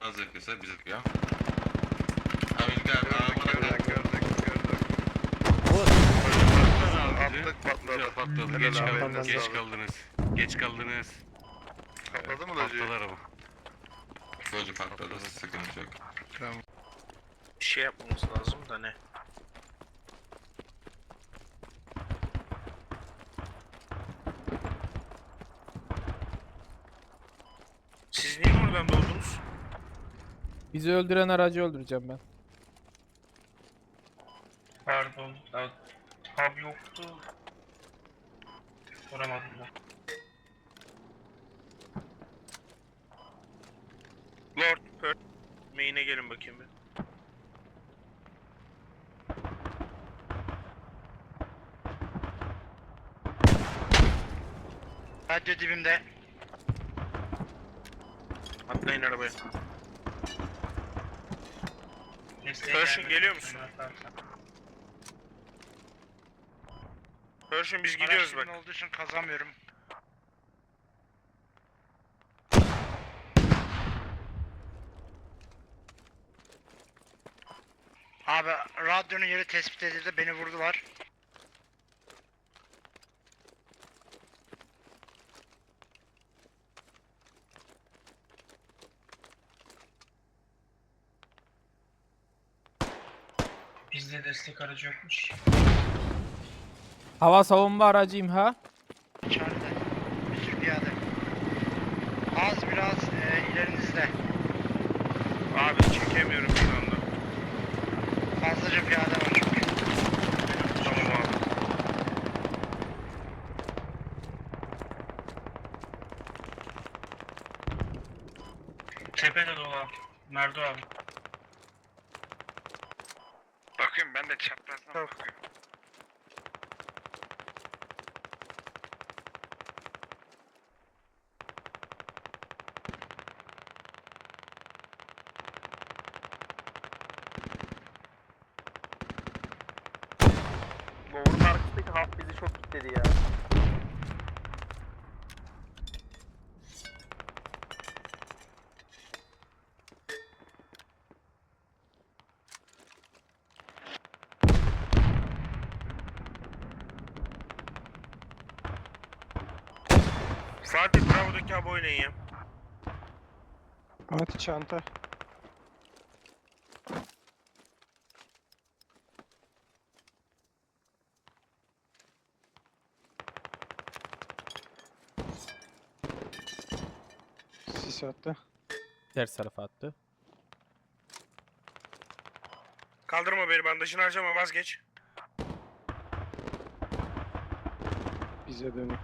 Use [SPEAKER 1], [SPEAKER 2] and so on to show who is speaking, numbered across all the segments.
[SPEAKER 1] Az yakıyorsa bize ya. Amerika abi
[SPEAKER 2] Gördük. Attık patladı.
[SPEAKER 3] Patladı. Geç kaldınız. Geç kaldınız.
[SPEAKER 2] Patladı mı Loji?
[SPEAKER 3] Patladı araba.
[SPEAKER 1] Loji patladı, sıkıntı yok.
[SPEAKER 2] Tamam.
[SPEAKER 4] Bir şey yapmamız lazım da ne? Siz niye buradan doğdunuz?
[SPEAKER 5] Bizi öldüren aracı öldüreceğim ben.
[SPEAKER 4] Pardon. Tab yoktu. Soramadım da. Lord Perth. Main'e gelin bakayım bir.
[SPEAKER 6] Radyo dibimde.
[SPEAKER 4] Atlayın arabaya. Pershing geliyor musun? Pershing biz gidiyoruz bak.
[SPEAKER 6] Araç olduğu için kazamıyorum. Abi radyonun yeri tespit edildi, beni vurdular.
[SPEAKER 4] Bizde destek aracı yokmuş.
[SPEAKER 5] Hava savunma aracı imha.
[SPEAKER 6] İçeride. Bir sürü piyade. Az biraz ilerinizde.
[SPEAKER 4] Abi çekemiyorum şu anda.
[SPEAKER 6] Fazlaca piyade var çünkü.
[SPEAKER 4] Tamam abi. Tepede dolu abi. Merdo abi.
[SPEAKER 2] Bakıyorum ben de çaprazdan bakıyorum.
[SPEAKER 7] Lower'ın arkasındaki hap bizi çok kilitledi ya.
[SPEAKER 4] Fatih Bravo'daki abi oynayın ya.
[SPEAKER 8] Fatih çanta. Sis attı.
[SPEAKER 5] Ters tarafa attı.
[SPEAKER 4] Kaldırma beni, bandajını harcama, vazgeç.
[SPEAKER 8] Bize dönük.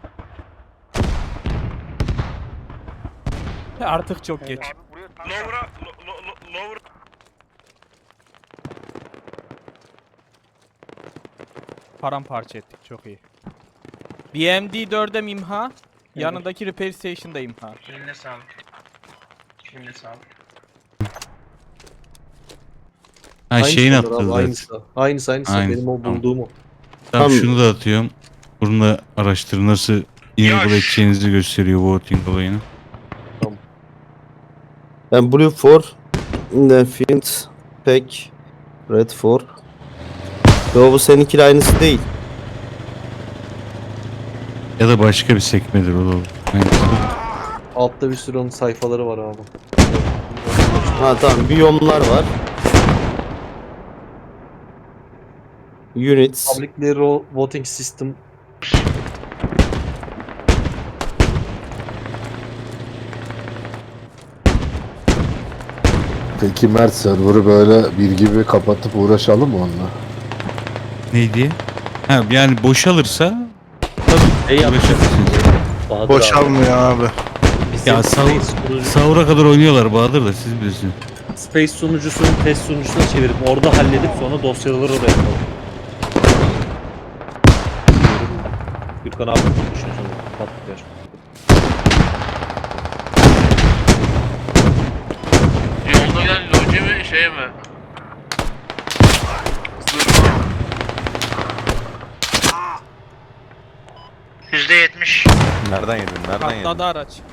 [SPEAKER 5] Artık çok geç.
[SPEAKER 7] Abi buraya tank
[SPEAKER 4] Lower'a, lower.
[SPEAKER 5] Paramparça ettik, çok iyi. BMD 4'e imha. Yanındaki repair station'da imha.
[SPEAKER 4] Eline sağlık. Eline sağlık.
[SPEAKER 9] Ha şeyin
[SPEAKER 10] Aynısı
[SPEAKER 9] attı
[SPEAKER 10] abi,
[SPEAKER 9] zaten.
[SPEAKER 10] aynısı.
[SPEAKER 9] Aynı,
[SPEAKER 10] Benim o
[SPEAKER 9] tamam.
[SPEAKER 10] bulduğum o.
[SPEAKER 9] Tamam
[SPEAKER 10] Tam-
[SPEAKER 9] şunu da atıyorum. Bunu da araştırın nasıl enable edeceğinizi gösteriyor voting olayını.
[SPEAKER 10] Ben Blue 4, Field, Pack, Red 4. Yo bu seninkiyle aynısı değil.
[SPEAKER 9] Ya da başka bir sekmedir o da olur. Hangisi?
[SPEAKER 10] Altta bir sürü onun sayfaları var abi. Ha tamam, biyomlar var. Units. Publicly Voting System.
[SPEAKER 11] Peki Mert, server'ı böyle bir gibi kapatıp uğraşalım mı onunla?
[SPEAKER 9] Neydi? Ha yani boşalırsa tabii uğraşabilirsiniz.
[SPEAKER 2] Boşalmıyor abi.
[SPEAKER 9] Ya sahura kadar oynuyorlar Bahadır da siz bilirsiniz.
[SPEAKER 10] Space sunucusunu test sunucusuna çevirip orada halledip sonra dosyaları oraya yapalım. Gürkan abi düşünüyorsun. Patlıklar.
[SPEAKER 3] Yolda giden loji mi şey mi?
[SPEAKER 6] %70.
[SPEAKER 5] Patladı araç.